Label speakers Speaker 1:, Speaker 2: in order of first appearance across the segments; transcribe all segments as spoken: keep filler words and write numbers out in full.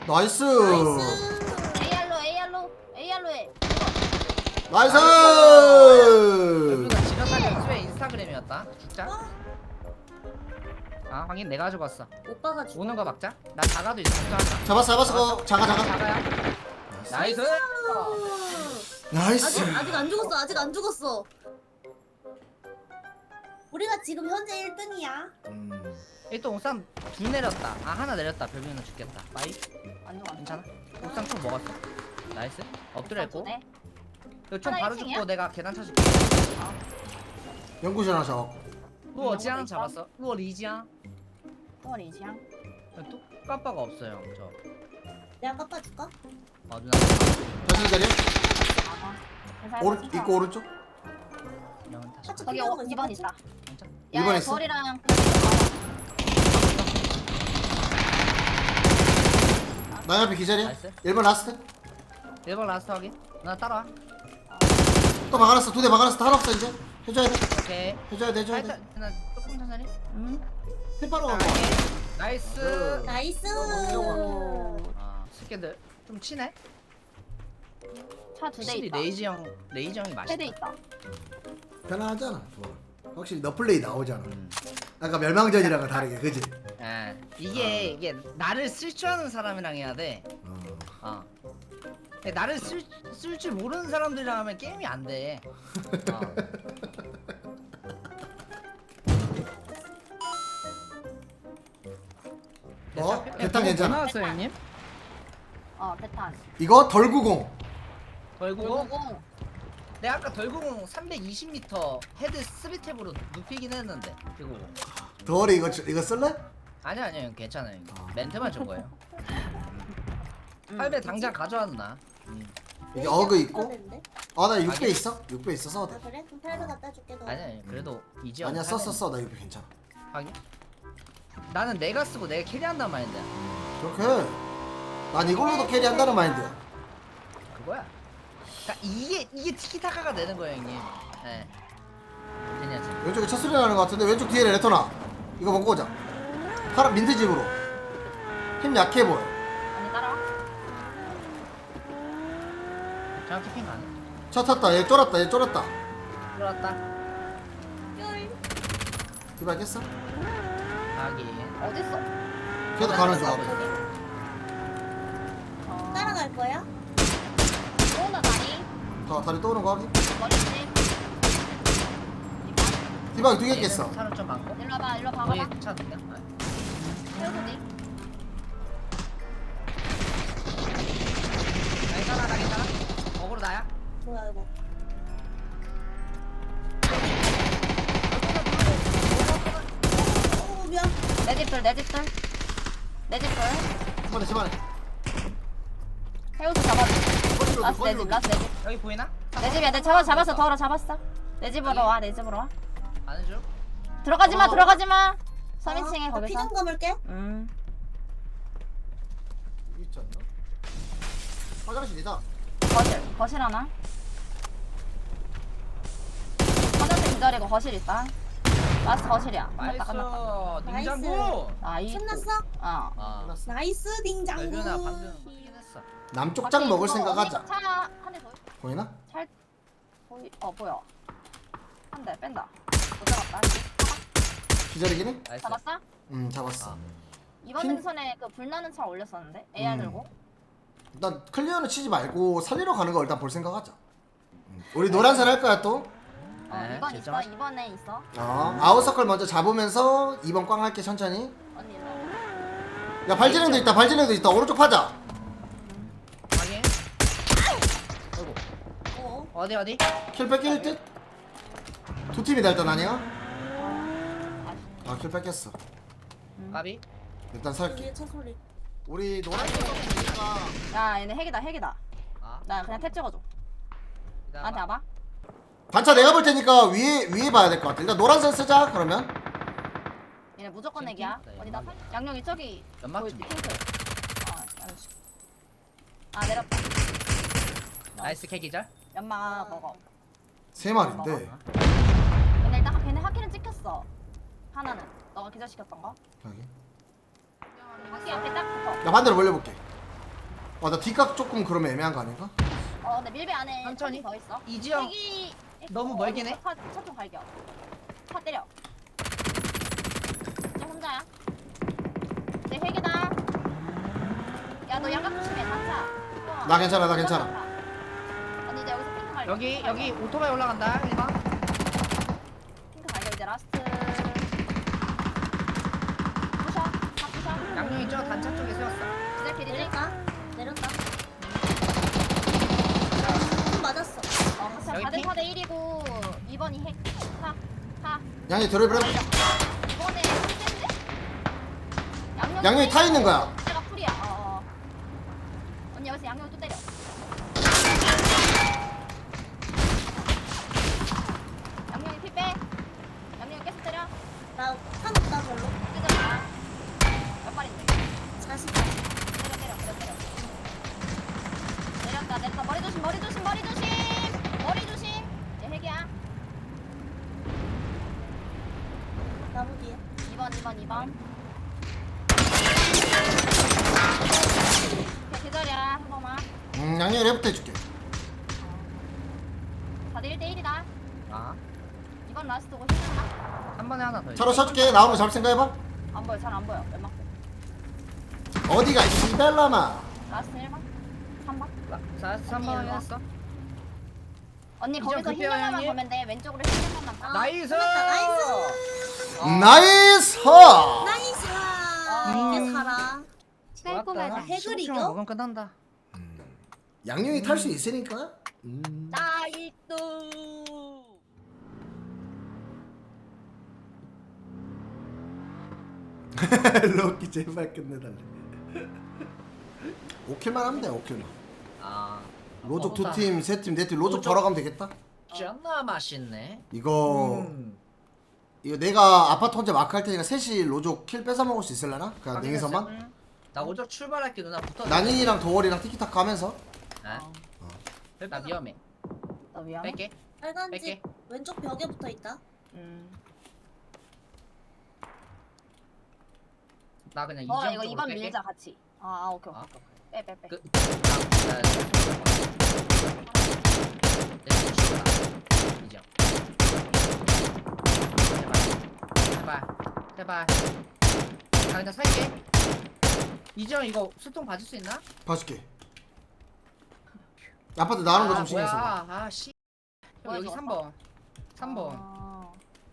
Speaker 1: 나이스.
Speaker 2: 에이알로 에이알로 에이알로에.
Speaker 1: 나이스.
Speaker 3: 여기가 지나가는 수의 인스타그램이었다. 죽자. 아 확인 내가 가져갔어.
Speaker 2: 오빠가 죽.
Speaker 3: 오는 거 막자. 나 자가도 있어. 걱정하자.
Speaker 1: 잡았어 잡았어. 그거 자가 자가.
Speaker 3: 자가야. 나이스.
Speaker 1: 나이스.
Speaker 4: 아직 아직 안 죽었어. 아직 안 죽었어. 우리가 지금 현재 일 등이야.
Speaker 1: 음.
Speaker 3: 일단 옥상 둘 내렸다. 아 하나 내렸다. 별명은 죽겠다. 빠이.
Speaker 2: 안 죽어.
Speaker 3: 괜찮아? 옥상 총 먹었어. 나이스. 엎드려 있고.
Speaker 2: 네.
Speaker 3: 이거 총
Speaker 2: 하나
Speaker 3: 바로
Speaker 2: 일 층이야?
Speaker 3: 죽고 내가 계단 쳐줄게.
Speaker 1: 연구실 하나 잡았고.
Speaker 3: 루어 지향
Speaker 2: 있어?
Speaker 3: 잡았어. 루어 리지향.
Speaker 2: 어 리지향.
Speaker 3: 또 깜빡 없어요. 저.
Speaker 4: 내가 깎아줄까?
Speaker 3: 어 누나.
Speaker 1: 현실 자리야?
Speaker 2: 아가.
Speaker 1: 오른 입고 오른쪽.
Speaker 3: 이런 다시.
Speaker 4: 같이
Speaker 2: 거기
Speaker 4: 클리어하고
Speaker 2: 오,
Speaker 4: 있어,
Speaker 2: 이 번
Speaker 4: 같이.
Speaker 2: 있다.
Speaker 3: 진짜?
Speaker 1: 이 번
Speaker 2: 야,
Speaker 1: 있어?
Speaker 2: 거리랑
Speaker 1: 나 옆에 기절이야.
Speaker 3: 나이스.
Speaker 1: 일 번 라스트.
Speaker 3: 일 번 라스트 확인. 나 따라와.
Speaker 1: 또 막아놨어. 두 대 막아놨어. 하나 없어 이제. 해줘야 돼.
Speaker 3: 오케이.
Speaker 1: 해줘야 돼. 해줘야 돼.
Speaker 3: 살짝 나 조금 천천히.
Speaker 2: 음.
Speaker 1: 템파로 가고.
Speaker 3: 나이스.
Speaker 4: 나이스.
Speaker 3: 아 새끼들 좀 치네.
Speaker 2: 차 두 대
Speaker 3: 확실히
Speaker 2: 있다.
Speaker 3: 레이지 형 레이지 형이 맛있다.
Speaker 2: 세 대 있다.
Speaker 1: 편하잖아. 좋아. 확실히 너 플레이 나오잖아.
Speaker 3: 음.
Speaker 1: 아까 멸망전이랑은 다르게, 그지?
Speaker 3: 예. 이게
Speaker 1: 어.
Speaker 3: 이게 나를 쓸 줄 아는 사람이랑 해야 돼.
Speaker 1: 어.
Speaker 3: 어. 근데 나를 쓸 쓸 줄 모르는 사람들이랑 하면 게임이 안 돼. 어.
Speaker 1: 어? 대탄 괜찮아.
Speaker 3: 나왔어요 형님?
Speaker 2: 어 배탄.
Speaker 1: 이거 덜구공.
Speaker 3: 덜구공?
Speaker 2: 오공.
Speaker 3: 내가 아까 덜구공 삼백이십 미터 헤드 삼 탭으로 눕히긴 했는데 그거
Speaker 1: 덜이 이거 이거 쓸래?
Speaker 3: 아니야 아니야 형, 괜찮아요 형.
Speaker 1: 아.
Speaker 3: 멘트만 준 거예요.
Speaker 2: 음.
Speaker 3: 팔 배 당장 가져왔나? 음.
Speaker 1: 여기 어그 있고.
Speaker 4: 되는데?
Speaker 1: 아 나 육 배 있어. 육 배 있어 써도
Speaker 4: 아
Speaker 1: 돼.
Speaker 4: 그래? 그럼 팔 배 갖다 줄게 너.
Speaker 3: 아니야 아니야, 그래도 이지영
Speaker 1: 아니야 써 써 써. 나 육 배 괜찮아.
Speaker 3: 하긴 나는 내가 쓰고 내가 캐리한단 마인드야.
Speaker 1: 그렇게. 난 이걸로도 캐리한다는 마인드야.
Speaker 3: 그거야. 그러니까 이게 이게 티키타카가 되는 거예요 형님. 네. 괜찮지.
Speaker 1: 왼쪽에 첫 소리 나는 것 같은데 왼쪽 뒤에 레토나. 이거 먹고 오자. 파란 민트 집으로. 힘 약해 보여.
Speaker 2: 아니 따라와.
Speaker 3: 정확히 핑 가네.
Speaker 1: 차 탔다. 얘 쫄았다. 얘 쫄았다.
Speaker 3: 들어왔다.
Speaker 1: 디바 깼어?
Speaker 3: 하긴.
Speaker 2: 어딨어?
Speaker 1: 걔도 가는 줄
Speaker 2: 어,
Speaker 1: 알아.
Speaker 2: 거기. 어.
Speaker 4: 따라갈 거야?
Speaker 2: 오나 다리.
Speaker 1: 다 다리 떠오는 거 하기.
Speaker 2: 머리지.
Speaker 1: 디바 두 개 깼어.
Speaker 3: 차는 좀 많고.
Speaker 2: 일로 와봐. 일로
Speaker 3: 거기
Speaker 2: 봐봐.
Speaker 3: 차 두개.
Speaker 2: 세우고지.
Speaker 3: 괜찮아 나 괜찮아. 어그로 나야.
Speaker 4: 뭐야 이거? 어 미안.
Speaker 2: 내 집들 내 집들. 내 집들.
Speaker 1: 집안에 집안에.
Speaker 2: 해우수 잡아줘.
Speaker 1: 거기로
Speaker 2: 라스 내 집.
Speaker 1: 거기로.
Speaker 2: 라스 내 집.
Speaker 3: 여기 보이나?
Speaker 2: 내 집이야. 내 잡아 잡았어. 더러 잡았어. 내 집으로 와. 내 집으로 와.
Speaker 3: 안 해줘?
Speaker 2: 들어가지 마.
Speaker 1: 어.
Speaker 2: 들어가지 마. 삼 인칭에
Speaker 4: 나
Speaker 2: 거기서.
Speaker 4: 피좀 감을게.
Speaker 2: 음.
Speaker 1: 여기 있지 않나? 화장실이다.
Speaker 2: 거실. 거실 하나. 화장실 기다리고 거실 있다. 라스트 거실이야. 끝났다 끝났다.
Speaker 3: 나이스. 냉장고.
Speaker 2: 나이스.
Speaker 4: 끝났어?
Speaker 2: 어.
Speaker 3: 아.
Speaker 1: 끝났어.
Speaker 4: 나이스 딩장구.
Speaker 3: 별변아 방금 확인했어.
Speaker 1: 남쪽장 먹을 생각하자.
Speaker 2: 차한대 더.
Speaker 1: 보이나?
Speaker 2: 잘 보이. 어 보여. 한 대 뺀다. 못 잡았다.
Speaker 1: 기절이긴 해?
Speaker 3: 나이스.
Speaker 2: 잡았어?
Speaker 1: 응 잡았어.
Speaker 3: 아.
Speaker 2: 이번
Speaker 1: 핀-
Speaker 2: 능선에 그 불나는 차 올렸었는데 에이알
Speaker 1: 음.
Speaker 2: 들고.
Speaker 1: 일단 클리어는 치지 말고 살리러 가는 거 일단 볼 생각하자. 음. 우리 노란색 할 거야 또.
Speaker 2: 어
Speaker 3: 네,
Speaker 2: 이번 있어.
Speaker 3: 결정하자.
Speaker 2: 이번에 있어.
Speaker 1: 어 아웃서클 먼저 잡으면서 이번 꽝 할게 천천히.
Speaker 2: 언니 일로 와.
Speaker 1: 야 발진행도 있다. 발진행도 있다. 오른쪽 파자.
Speaker 3: 확인. 아이고.
Speaker 4: 어.
Speaker 3: 어디 어디?
Speaker 1: 킬 뺏길 듯? 두 팀이다 일단 아니야?
Speaker 2: 아쉽네.
Speaker 1: 아킬 뺏겼어.
Speaker 3: 까비.
Speaker 1: 일단 살게.
Speaker 4: 뒤에 차 소리.
Speaker 1: 우리 노란색 서클이니까
Speaker 2: 야 얘네 핵이다 핵이다.
Speaker 3: 아.
Speaker 2: 나 그냥 탭 찍어줘. 나한테 와봐.
Speaker 1: 반차 내가 볼 테니까 위에 위에 봐야 될 것 같아. 일단 노란색 쓰자 그러면.
Speaker 2: 얘네 무조건
Speaker 3: 지금
Speaker 2: 핵이야.
Speaker 3: 핑?
Speaker 2: 어디다 살? 양념 이쪽이.
Speaker 3: 연막
Speaker 2: 보이-
Speaker 3: 좀.
Speaker 2: 핑크. 아 알았어. 아 내렸다.
Speaker 3: 나이스 캐기절.
Speaker 2: 연마 먹어.
Speaker 1: 세 마리인데.
Speaker 2: 얘네 일단 걔네 하키는 찍혔어. 하나는 너가 기절시켰던 거.
Speaker 1: 여기.
Speaker 2: 하키 앞에 딱 붙어.
Speaker 1: 나 반대로 몰려볼게. 나 뒷각 조금 그러면 애매한 거 아닌가?
Speaker 2: 어 근데 밀배 안에
Speaker 3: 천천히.
Speaker 2: 더 있어.
Speaker 3: 이지영
Speaker 2: 핵이
Speaker 3: 너무 멀긴 해.
Speaker 2: 차좀 갈겨. 차 때려. 쟤 혼자야. 내 핵이다. 야 너 양각 조심해. 단차. 어.
Speaker 1: 나 괜찮아, 나 괜찮아.
Speaker 2: 언니 이제 여기서 핑크 갈겨.
Speaker 3: 여기
Speaker 2: 핑크
Speaker 3: 여기
Speaker 2: 갈겨.
Speaker 3: 오토바이 올라간다 일 번.
Speaker 2: 핑크 갈겨 이제 라스트. 부셔. 다 부셔.
Speaker 3: 양용이 저 단차 쪽에 세웠어.
Speaker 2: 이제 길이지.
Speaker 4: 내렸다. 내렸다. 좀 맞았어.
Speaker 2: 어 같이
Speaker 3: 여기
Speaker 2: 사 대
Speaker 3: 핑?
Speaker 2: 사 대 일이고 이 번이 핵. 사. 사.
Speaker 1: 양이 들어버려.
Speaker 2: 이번에 핵인데? 양념.
Speaker 1: 양념이 타 있는 거야.
Speaker 2: 내가 풀이야. 어, 어. 언니 여기서 양념 또 때려. 양념이 피 빼. 양념이 계속 때려.
Speaker 4: 나 타먹다 별로.
Speaker 2: 뜯어봐. 몇 발인데?
Speaker 4: 사십.
Speaker 2: 때려 때려 때려 때려. 내렸다 내렸다. 머리 조심 머리 조심 머리 조심. 머리 조심. 얘 핵이야.
Speaker 4: 나무 뒤에.
Speaker 2: 이 번 이 번 이 번. 오케이 기다려 한 번만.
Speaker 1: 음, 양념이 레프트 해줄게.
Speaker 2: 사 대 일 대 일이다.
Speaker 3: 아,
Speaker 2: 이번 라스트고 힘들다.
Speaker 3: 한 번에 하나 더. 있어.
Speaker 1: 차로 쳐줄게. 나오는 거 잘 생각해봐.
Speaker 2: 안 보여 잘 안 보여. 몇 맞고.
Speaker 1: 어디가 시벨라마.
Speaker 2: 라스트 일 번. 삼 번.
Speaker 3: 자, 삼 번
Speaker 2: 언니, 일로
Speaker 3: 했어.
Speaker 2: 언니
Speaker 3: 이점
Speaker 2: 거기서
Speaker 3: 급해요,
Speaker 2: 힐러만
Speaker 3: 형님.
Speaker 2: 보면 돼. 왼쪽으로 힐러만 봐.
Speaker 3: 나이스.
Speaker 4: 끝났다. 나이스.
Speaker 3: 어.
Speaker 1: 나이스!
Speaker 4: 나이스.
Speaker 2: 어.
Speaker 4: 이게 살아.
Speaker 3: 좋았다.
Speaker 4: 핵을
Speaker 3: 십오 킬만
Speaker 4: 이겨?
Speaker 3: 먹으면 끝난다.
Speaker 1: 양념이 탈 수 있으니까. 음.
Speaker 2: 나이스.
Speaker 1: 럭키 제발 끝내달래. 오킬만 하면 돼. 오킬만.
Speaker 3: 아,
Speaker 1: 로족 두
Speaker 3: 먹었다.
Speaker 1: 팀, 세 팀, 네 팀 로족
Speaker 3: 로족.
Speaker 1: 걸어가면 되겠다.
Speaker 3: 존나 맛있네.
Speaker 1: 이거
Speaker 3: 음.
Speaker 1: 이거 내가 아파트 혼자 마크 할 테니까 셋이 로족 킬 뺏어 먹을 수 있을려나? 그냥
Speaker 3: 확인했어.
Speaker 1: 냉이서만?
Speaker 2: 응.
Speaker 3: 나 오적 출발할게 누나 붙어.
Speaker 1: 난인이랑 도월이랑 티키타카 하면서
Speaker 3: 네? 나 위험해.
Speaker 2: 너 위험해?
Speaker 3: 뺄게.
Speaker 4: 빨간 집
Speaker 3: 뺄게.
Speaker 4: 왼쪽 벽에 붙어 있다.
Speaker 2: 음.
Speaker 3: 나 그냥
Speaker 2: 어
Speaker 3: 이점
Speaker 2: 이거
Speaker 3: 쪽으로
Speaker 2: 이번
Speaker 3: 뺄게.
Speaker 2: 밀자 같이. 아, 아 오케이
Speaker 3: 아.
Speaker 2: 오케이. 빼 빼 빼.
Speaker 3: 그. 나. 나. 내 친구다. 이점. 제발. 제발. 제발. 나 그냥 살게. 이점 이거 수통 봐줄 수 있나?
Speaker 1: 봐줄게. 아파트 나오는 거 좀 신경 써봐.
Speaker 3: 뭐야? 아 씨.
Speaker 2: 뭐야,
Speaker 3: 여기
Speaker 2: 저거?
Speaker 3: 삼 번. 삼 번.
Speaker 2: 아.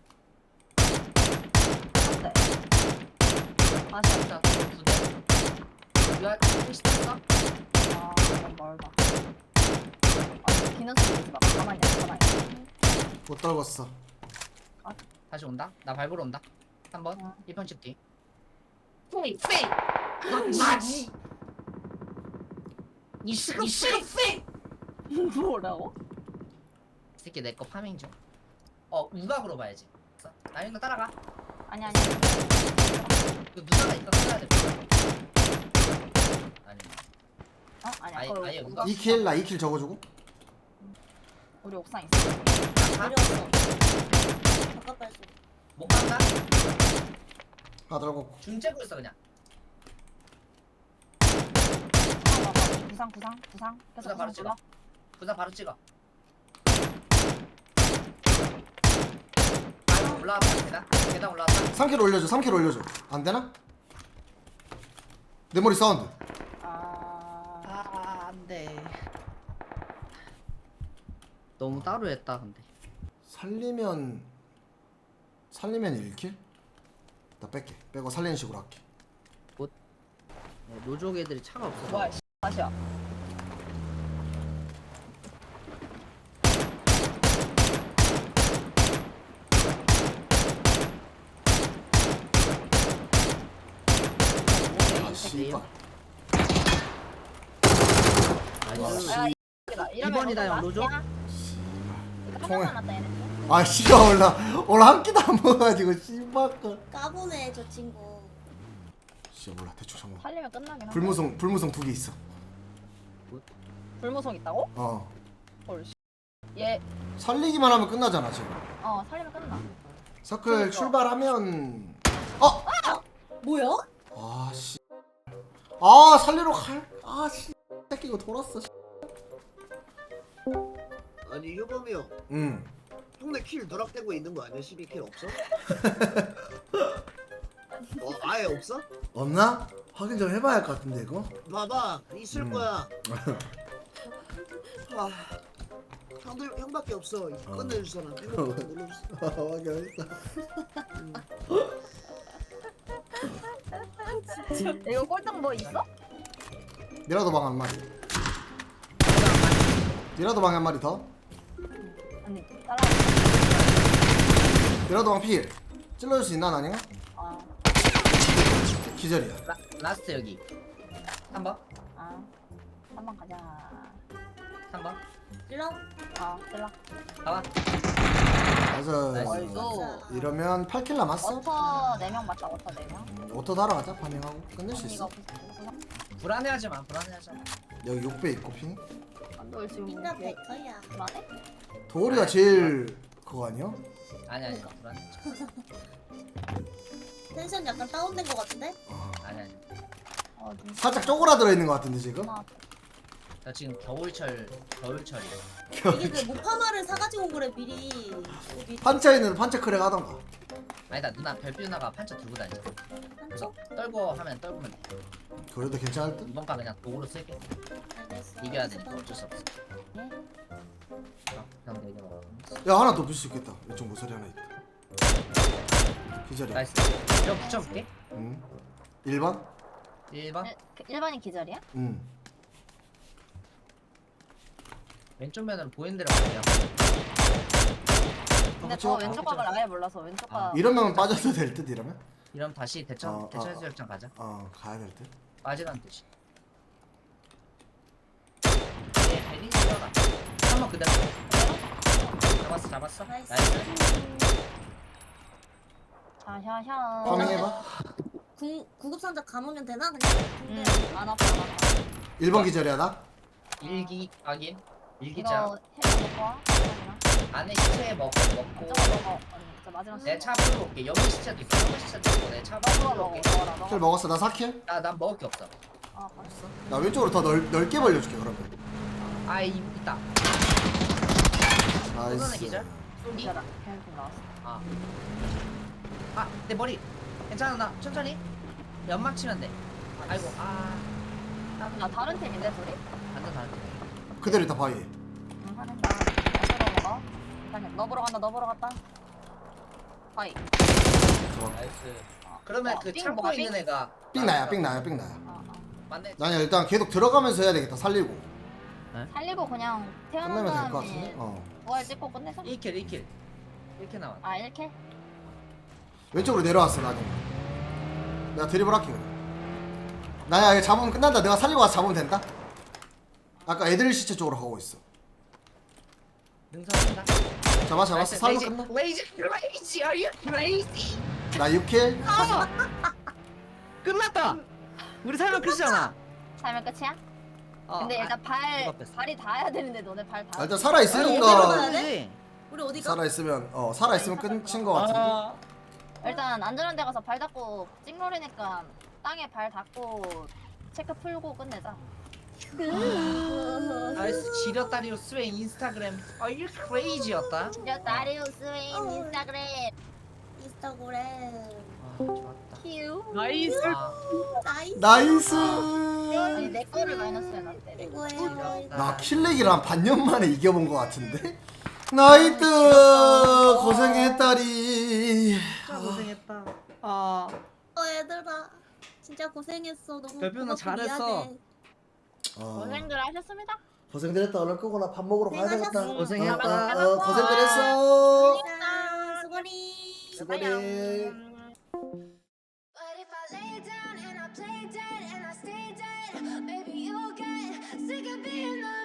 Speaker 2: 한 대. 아 진짜.
Speaker 3: 자, 두 대. 야, 택시 탔어?
Speaker 2: 아 너무 멀다. 아니 기는 소리 내지 마. 가만히 있어 가만히 있어.
Speaker 1: 못 떨궜어.
Speaker 3: 다시 온다. 나 밟으러 온다. 한 번.
Speaker 2: 어.
Speaker 3: 일 편 집 뒤.
Speaker 2: 페이 페이.
Speaker 3: 마지. 이 시간 시간 페이.
Speaker 2: 뭐라고?
Speaker 3: 이 새끼 내 거 파밍 중. 어, 우각으로 봐야지. 나 이거 따라가.
Speaker 2: 아니 아니.
Speaker 3: 그 누나가 이거 써야 돼. 아니.
Speaker 2: 어 아니
Speaker 3: 아예-
Speaker 2: 아까
Speaker 3: 아예
Speaker 2: 우리,
Speaker 3: 우각.
Speaker 1: 이 킬 나 이 킬 적어주고.
Speaker 2: 우리 옥상 있어.
Speaker 3: 가?
Speaker 4: 어려웠어. 바깥 발소.
Speaker 3: 못 간다.
Speaker 1: 하나 떨궜고.
Speaker 3: 중 째고 있어 그냥.
Speaker 2: 구상 봐봐. 구상 구상 구상. 계속
Speaker 3: 구상 바로
Speaker 2: 구상
Speaker 3: 찍어.
Speaker 2: 불러.
Speaker 3: 부산 바로 찍어. 아이고 올라왔다 계단. 계단 올라왔다.
Speaker 1: 삼 킬 올려줘. 삼 킬 올려줘. 안 되나? 내 머리 사운드.
Speaker 2: 아.
Speaker 3: 아 안돼. 너무 따로 했다 근데.
Speaker 1: 살리면 살리면 일 킬? 나 뺄게. 빼고 살리는 식으로 할게.
Speaker 3: 네, 노족 애들이 차가 없어서.
Speaker 2: 뭐야 씨. 다시야.
Speaker 1: 아 씨발.
Speaker 3: 나이스.
Speaker 2: 야, 이 X다. 이러면
Speaker 3: 이번이다,
Speaker 2: 너무
Speaker 3: 형, 로조?
Speaker 2: 라스트야. 이거
Speaker 1: 총알.
Speaker 2: 하나 남았다 얘네.
Speaker 1: 아 씨가 올라 올라 한 끼도 안 먹어가지고 씨발 거.
Speaker 4: 까보네 저 친구.
Speaker 1: 씨 몰라 대충 잠깐.
Speaker 2: 살리면 끝나긴 한데.
Speaker 1: 불무성 불무성 두 개 있어.
Speaker 2: 불무성 있다고?
Speaker 1: 어.
Speaker 2: 헐 씨. 얘
Speaker 1: 살리기만 하면 끝나잖아 지금.
Speaker 2: 어 살리면 끝나.
Speaker 1: 서클
Speaker 2: 그러니까.
Speaker 1: 출발하면 어?
Speaker 4: 뭐야?
Speaker 1: 아 씨. 아 살리러 갈. 아 씨. 끼고 돌았어.
Speaker 5: 아니 효범이 형
Speaker 1: 응.
Speaker 5: 형네 킬 누락되고 있는 거 아니야? 십이 킬 없어? 어 아예 없어?
Speaker 1: 없나? 확인 좀 해봐야 할 것 같은데 이거.
Speaker 5: 봐봐 있을
Speaker 1: 음.
Speaker 5: 거야. 아, 형들 형밖에 없어. 끝내줄 사람. 이거 눌러주세요.
Speaker 1: 확인했어.
Speaker 2: 이거 꼴등 뭐 있어?
Speaker 1: 미라도 방 한 마리. 미라도 방에 한 마리 더.
Speaker 2: 아니 따라.
Speaker 1: 미라도 방 필. 찔러줄 수 있나 아닌가?
Speaker 2: 아,
Speaker 1: 기절이야.
Speaker 3: 라, 라스트 여기 삼 번
Speaker 2: 아, 한번 가자.
Speaker 3: 삼 번
Speaker 4: 일로.
Speaker 2: 아, 들라.
Speaker 3: 가봐.
Speaker 1: 맞아.
Speaker 3: 나이스.
Speaker 2: 어이구.
Speaker 1: 이러면 팔 킬 남았어.
Speaker 2: 워터 네 명 맞다. 워터 네 명.
Speaker 1: 음, 오토 달아가자. 파밍하고 끝낼 수
Speaker 2: 이거
Speaker 1: 있어.
Speaker 2: 없구나.
Speaker 3: 불안해하지 마. 불안해하지 마.
Speaker 1: 여기 육 배 있고 핑.
Speaker 2: 너 지금
Speaker 4: 핑가
Speaker 2: 왜
Speaker 4: 베터야.
Speaker 2: 불안해?
Speaker 1: 도리가 제일 그거 아니야?
Speaker 3: 아니 아니 불안해.
Speaker 4: 텐션 약간 다운된 거 같은데?
Speaker 3: 아니 아니.
Speaker 2: 어, 눈
Speaker 1: 살짝 쪼그라들어 있는 것 같은데 지금.
Speaker 2: 나
Speaker 3: 나 지금 겨울철 겨울철이야.
Speaker 4: 이게 그 모파마를 사가지고 그래 미리. 여기
Speaker 1: 판차에는 판차 크랙 하던가.
Speaker 3: 아니다 누나 별빛 누나가 판차 들고 다니잖아. 그래서
Speaker 4: 한쪽?
Speaker 3: 떨고 하면 떨구면 돼.
Speaker 1: 그래도 괜찮을 듯.
Speaker 3: 이번 판 그냥 도구로 쓸게.
Speaker 4: 알겠어.
Speaker 3: 이겨야 되니까 어쩔 수 없어.
Speaker 2: 네?
Speaker 3: 어, 형 내게 먹어.
Speaker 1: 야 하나 더 빌 수 있겠다. 이쪽 모서리 하나 있다. 기절이야.
Speaker 3: 나이스. 형 붙여볼게.
Speaker 1: 응. 일 번?
Speaker 3: 일 번.
Speaker 2: 일- 그 일반인 기절이야?
Speaker 1: 응.
Speaker 3: 왼쪽 면은 보이는 대로 갈게요.
Speaker 2: 근데
Speaker 1: 어,
Speaker 2: 저
Speaker 1: 그쵸?
Speaker 2: 왼쪽 각을 아예 몰라서 왼쪽 각.
Speaker 3: 아.
Speaker 1: 이러면 빠져도 될 듯 이러면?
Speaker 3: 이러면 다시 대천
Speaker 1: 어,
Speaker 3: 대천
Speaker 1: 어,
Speaker 3: 해수욕장 가자.
Speaker 1: 어 가야 될 듯.
Speaker 3: 빠지라는 뜻이. 예, 벨리 뛰어라. 한번 그대로. 잡았어, 잡았어.
Speaker 4: 나이스.
Speaker 3: 나이스.
Speaker 2: 샤샤샤.
Speaker 1: 파밍해봐.
Speaker 4: 구, 구급 상자 감으면 되나? 그냥
Speaker 2: 응,
Speaker 4: 근데
Speaker 2: 안 아파, 안 아파.
Speaker 1: 일 번 기절이야 나?
Speaker 3: 일기 확인.
Speaker 2: 이거
Speaker 3: 일기장
Speaker 2: 해서 먹고 와. 하나.
Speaker 3: 안에 시체 먹고 먹고.
Speaker 2: 저거 먹어. 언니, 저 마지막
Speaker 3: 내 차 앞으로 올게. 여기 시체도 있어. 여기 시체도 있고 내 차
Speaker 2: 먹어,
Speaker 3: 앞으로
Speaker 2: 먹어,
Speaker 3: 올게.
Speaker 2: 먹어라,
Speaker 1: 킬
Speaker 2: 먹어.
Speaker 1: 먹었어. 나 사 킬?
Speaker 3: 나, 난 먹을 게 없어.
Speaker 2: 아, 맛있어.
Speaker 1: 나 왼쪽으로 더 넓, 넓게 벌려줄게 그러면.
Speaker 3: 아, 이, 있다. 소선의
Speaker 1: 나이스.
Speaker 3: 기절? 쏘기?
Speaker 2: 기절아. 계속 나왔어.
Speaker 3: 아. 아, 내 머리. 괜찮아, 나 천천히. 연막 치면 돼. 아이고, 아.
Speaker 2: 나 다른 팀인데, 둘이?
Speaker 3: 완전 다른 팀.
Speaker 1: 그대로 있다 바위.
Speaker 2: 응, 하는 나. 나 먹어. 일단 너 보러 간다, 너 보러 갔다. 하이.
Speaker 3: 나이스. 그러면
Speaker 2: 어,
Speaker 3: 그
Speaker 2: 삥
Speaker 3: 창고
Speaker 2: 뭐가
Speaker 3: 있는
Speaker 2: 삥?
Speaker 3: 애가
Speaker 1: 삥 나야 삥 나야 삥 나야.
Speaker 2: 어, 어.
Speaker 3: 맞네.
Speaker 1: 나 일단 계속 들어가면서 해야 되겠다. 살리고.
Speaker 2: 살리고 그냥 태어난
Speaker 1: 끝내면 될 것
Speaker 2: 다음에
Speaker 1: 같은데? 어.
Speaker 2: 부활 찍고 끝내서?
Speaker 3: 일 킬, 일 킬. 일 킬 나왔.
Speaker 2: 아, 이렇게?
Speaker 1: 왼쪽으로 내려왔어 나중에. 내가 드리블 할게 그냥. 나야 이거 잡으면 끝난다. 내가 살리고 와서 잡으면 된다. 아까 애들 시체 쪽으로 가고 있어.
Speaker 3: 능선한다.
Speaker 1: 잡아 잡았어. 살면 끝나.
Speaker 3: 레이지, 레이지, are you crazy?
Speaker 1: 나 육 킬.
Speaker 3: 끝났다. 우리 살면 끝이잖아.
Speaker 2: 살면 끝이야?
Speaker 3: 어,
Speaker 2: 근데
Speaker 3: 아,
Speaker 2: 일단 발,
Speaker 3: 누가 뺐어?
Speaker 2: 발이 닿아야 되는데 너네 발 닿아.
Speaker 1: 아, 일단
Speaker 3: 아니,
Speaker 1: 살아
Speaker 3: 어디로
Speaker 1: 있으니까.
Speaker 3: 가야 돼?
Speaker 4: 우리 어디가?
Speaker 1: 살아 있으면 어 살아 있으면 끝인 거 같은데.
Speaker 3: 아,
Speaker 2: 일단 안전한 데 가서 발 닿고 찍놀이니까 땅에 발 닿고 체크 풀고 끝내자.
Speaker 3: 나이스. 지렸다리우스의 인스타그램. Are you crazy였다.
Speaker 2: 진짜 다리우스의
Speaker 4: 어.
Speaker 2: 인스타그램
Speaker 4: 인스타그램.
Speaker 3: 아, 좋았다.
Speaker 2: 큐.
Speaker 3: 나이스. 아,
Speaker 4: 나이스.
Speaker 1: 나이스.
Speaker 2: 아니 내 거를 마이너스 해놨대. 내 거.
Speaker 4: 이거예요.
Speaker 1: 나 킬렉이랑 한 반년 만에 이겨본 거 같은데. 나이트 고생했다리.
Speaker 3: 진짜 고생했다. 아,
Speaker 4: 어 얘들아 진짜 고생했어. 너무
Speaker 3: 별표 누나
Speaker 4: 고맙고
Speaker 3: 잘했어.
Speaker 4: 미안해.
Speaker 1: 어,
Speaker 2: 고생들 하셨습니다.
Speaker 1: 고생들 했다. 얼른 끄고 나 밥 먹으러 가야 되겠다.
Speaker 3: 고생했다.
Speaker 1: 어, 어, 어, 고생들 했어.
Speaker 4: 고생했다. 수고리.
Speaker 1: 수고리.
Speaker 6: But if I lay down and I play dead and I stay dead, maybe you'll get sick of being the